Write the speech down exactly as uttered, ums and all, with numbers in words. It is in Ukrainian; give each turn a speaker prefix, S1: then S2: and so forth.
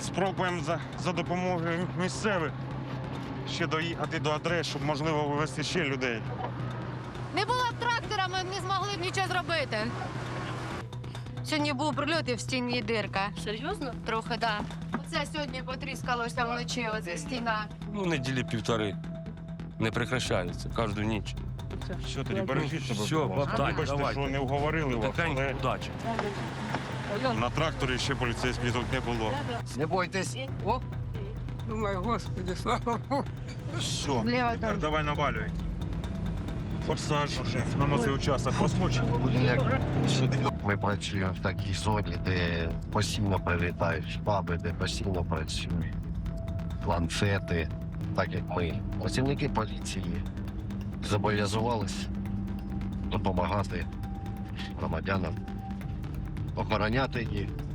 S1: Спробуємо за, за допомогою місцевих ще доїхати до адрес, щоб можливо вивезти ще людей.
S2: Не було б трактора, ми б не змогли б нічого зробити. Сьогодні був прильот і в стіні дирка.
S3: Серйозно?
S2: Трохи, так. Да. Оце сьогодні потріскалося вночі, оця стіна.
S4: Ну, неділі півтори. Не прекращається, кожну ніч.
S1: Що тоді, бережіть себе,
S4: Все,
S1: будь ласка.
S4: бабай,
S1: Вибачте,
S4: давайте.
S1: що не вговорили вас,
S4: Тихенько,
S1: але
S4: удачі.
S1: на тракторі ще поліцейських тут не було.
S5: Не бойтесь.
S6: О, думаю, господи, слава Богу.
S1: Все,
S2: Вліво там.
S1: давай навалюй. Форсаж на цей участок розмочить.
S5: Ми працюємо в такій зоні, де постійно прилітають шпаби, де постійно працюють ланцети, так як ми. Працівники поліції зобов'язувалися допомагати громадянам, охороняти їх.